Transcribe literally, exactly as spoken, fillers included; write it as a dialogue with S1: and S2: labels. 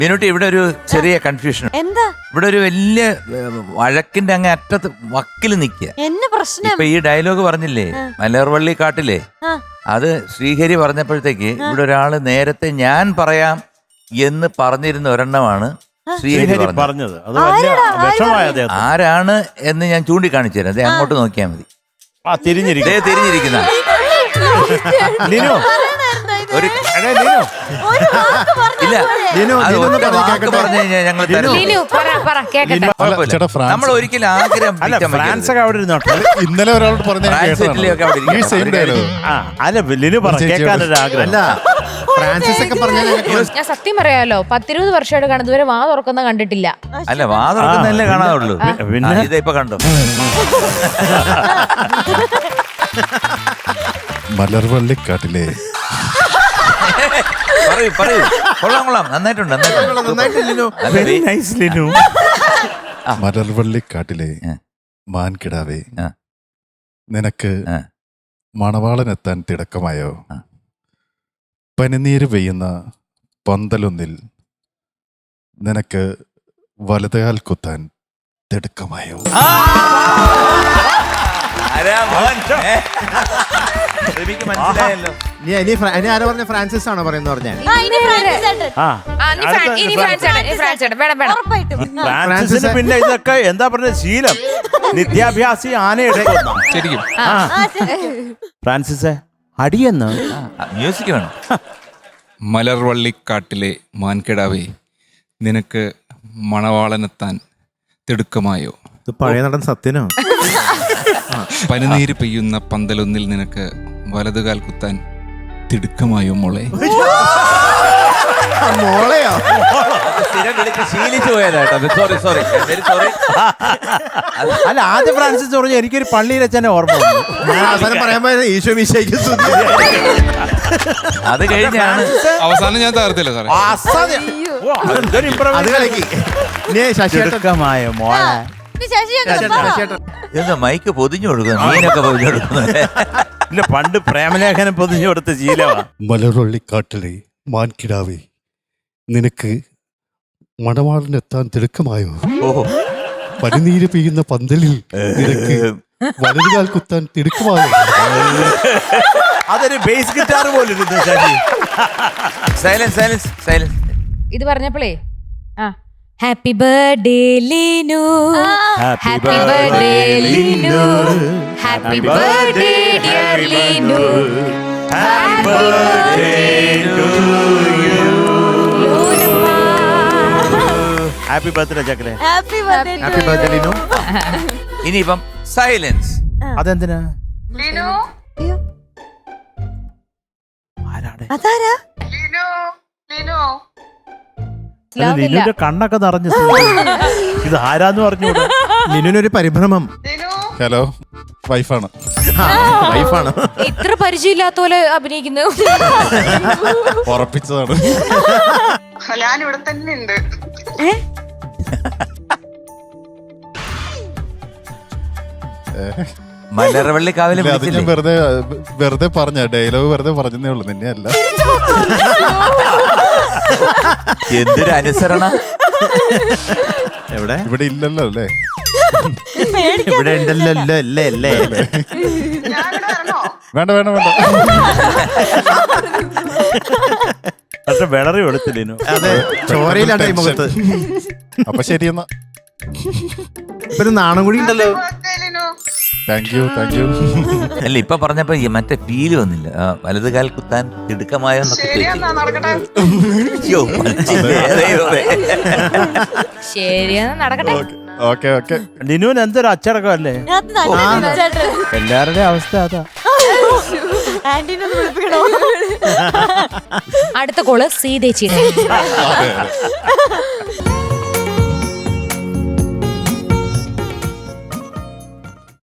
S1: മീനുട്ടി, ഇവിടെ ഒരു ചെറിയ കൺഫ്യൂഷൻ.
S2: എന്താ?
S1: ഇവിടെ ഒരു വലിയ വഴക്കിന്റെ അങ്ങ് അറ്റത്ത് വക്കിൽ നിൽക്കുക.
S2: എന്നെ പ്രശ്നം
S1: ഇപ്പൊ ഈ ഡയലോഗ് പറഞ്ഞില്ലേ, മലർവള്ളി കാട്ടിലെ, അത് ശ്രീഹരി പറഞ്ഞപ്പോഴത്തേക്ക് ഇവിടെ ഒരാള് നേരത്തെ ഞാൻ പറയാം എന്ന് പറഞ്ഞിരുന്ന ഒരെണ്ണമാണ് ശ്രീഹരി പറഞ്ഞത്.
S3: അത് വലിയ വിഷമായ
S1: ആരാണ് എന്ന് ഞാൻ ചൂണ്ടിക്കാണിച്ചു തരാം. അതെ, അങ്ങോട്ട് നോക്കിയാൽ മതി.
S3: ആ തിരിഞ്ഞിരിക്കും
S1: തിരിഞ്ഞിരിക്കുന്ന ഒരു ഇല്ല, പറഞ്ഞു കഴിഞ്ഞാൽ ഞങ്ങൾ നമ്മൾ ഒരിക്കലും ആഗ്രഹം.
S3: ഫ്രാൻസ് ഒക്കെ അവിടെ ഇരുന്നോട്ടെ.
S4: ഇന്നലെ ഒരാളോട് പറഞ്ഞ
S5: ഫ്രാൻസിസ് ഒക്കെ പറഞ്ഞ
S6: ഞാൻ സത്യം പറയാലോ, പത്തിരുപത് വർഷമായിട്ട് കാണുന്നത് ഇതുവരെ വാ തുറക്കുന്ന കണ്ടിട്ടില്ല.
S1: അല്ല, വാ തുറക്കുന്നല്ലേ കാണാറുള്ളൂ. പിന്നെ ഇപ്പൊ കണ്ടോ?
S4: മലർവള്ളിക്കാട്ടിലെ
S1: പറയൂ പറയൂ. കൊള്ളാം കൊള്ളാം, നന്നായിട്ടുണ്ട് നന്നായിട്ടുണ്ട്.
S4: മലർവള്ളിക്കാട്ടിലെ മാൻകിടാവേ, നിനക്ക് മണവാളനെത്താൻ തിടക്കമായോ? പനിനീര് പെയ്യുന്ന പന്തലൊന്നിൽ നിനക്ക് വലതുകാൽ കുത്താൻ തിടുക്കമായോ?
S1: മനസ്സിലായല്ലോ.
S5: ആരാ പറഞ്ഞ? ഫ്രാൻസിസ് ആണോ പറയുന്ന പറഞ്ഞ?
S3: ഫ്രാൻസിന് പിന്നെ ഇതൊക്കെ എന്താ പറഞ്ഞ ശീലം, നിത്യാഭ്യാസി ആനയുടെ ശരിക്കും. ഫ്രാൻസിസ് അടിയെന്ന്
S1: മ്യൂസിക് വേണം.
S7: മലർവള്ളിക്കാട്ടിലെ മാൻകിടാവേ, നിനക്ക് മണവാളനെത്താൻ തിടുക്കമായോ?
S5: ഇത് പഴയ നടൻ സത്യനോ?
S7: പനിനീര് പെയ്യുന്ന പന്തലൊന്നിൽ നിനക്ക് വലതുകാൽ കുത്താൻ തിടുക്കമായോ മോളെ?
S5: മോളെയോ?
S1: സ്ഥിരം വിളിച്ച് ശീലിച്ചു പോയതാട്ടോ. Sorry sorry sorry.
S3: അല്ല, ആദ്യം ഫ്രാൻസിസ് പറഞ്ഞു എനിക്കൊരു പള്ളിയിൽ വെച്ചാൽ ഓർമ്മ.
S5: ഞാൻ അവസാനം പറയാൻ പോയത് ഈശോ മിശിഹായ്ക്ക് സ്തുതി.
S1: അത് കഴിഞ്ഞാണ്
S7: അവസാനം ഞാൻ തകർത്തില്ല സാറേ.
S5: അത് കളിക്ക്.
S3: ശശിമായ മോളെ
S1: എന്താ മൈക്ക് പൊതിഞ്ഞു കൊടുക്കുന്നു, മീനൊക്കെ പൊതിഞ്ഞു കൊടുക്കുന്നു.
S3: ഇല്ല, പണ്ട് പ്രേമലേഖനം പൊതിഞ്ഞു കൊടുത്ത ശീലമാണ്.
S4: മലർവള്ളിക്കാട്ടിലെ മാൻകിടാവേ, നിനക്ക് മണവാളനെത്താൻ തിടുക്കമായോ?
S1: ഓഹോ,
S4: പനിനീര് പെയ്യുന്ന പന്തലിൽ നിനക്ക് വലതുകാൽ കുത്താൻ തിടുക്കമായോ?
S3: അതൊരു ബേസ് ഗിറ്റാർ പോലെ ഇരുന്നു.
S1: Silence silence silence.
S6: ഇത് പറഞ്ഞപ്പോഴേ ആ happy birthday Leenu, happy birthday Leenu, happy birthday dear Leenu, happy birthday to you.
S3: Happy birthday ചക്കലെ.
S2: Happy birthday.
S5: Happy birthday Linu.
S1: ഇനിയിപ്പം സൈലൻസ്.
S3: അതെന്തിനാ?
S2: അതാരാ?
S3: ലിനുവിന്റെ കണ്ണൊക്കെ നിറഞ്ഞു. ഇത് ആരാന്ന് പറഞ്ഞു.
S5: ലിനുവിനൊരു പരിഭ്രമം.
S4: ഹലോ, വൈഫാണ്.
S5: വൈഫാണ്.
S6: ഇത്ര പരിചയമില്ലാത്ത പോലെ അഭിനയിക്കുന്നു.
S4: ഉറപ്പിച്ചതാണ്.
S8: ഞാനിവിടെ തന്നെ ഉണ്ട്.
S1: മലർവള്ളി കാവിലെ
S4: അത് ഞാൻ വെറുതെ വെറുതെ പറഞ്ഞ ഡയലോഗ് വെറുതെ പറഞ്ഞതേ ഉള്ളു, നിന്നെ അല്ല.
S1: എന്തൊരു അനുസരണ.
S5: എവിടെ?
S4: ഇവിടെ ഇല്ലല്ലോ അല്ലേ?
S5: ഇവിടെ ഉണ്ടല്ലോ അല്ലേ? അല്ലേ?
S4: വേണ്ട വേണ്ട വേണ്ട.
S3: പക്ഷെ വിളറി എടുത്തില്ലേനു.
S5: അതെ, ചോരയിലാണ് ഈ മുഖത്ത്.
S4: അപ്പൊ ശരിയെന്നാ.
S5: ഇപ്പൊ നാണം കൂടി ഉണ്ടല്ലോ.
S4: Thank you thank you.
S1: അല്ല, ഇപ്പൊ പറഞ്ഞപ്പോ മറ്റേ ഫീല് വന്നില്ല. വലതുകാൽ കുത്താൻ തിടുക്കമായോ എന്നൊക്കെ
S6: ശരിയാ, നടക്കട്ടെ.
S4: Okay okay.
S3: ലിനുവിന് എന്തൊരു അച്ചടക്കം അല്ലേ? എല്ലാവരുടെയും അവസ്ഥ അതാ.
S6: അടുത്ത കോള് സീതേച്ചിയുടെ.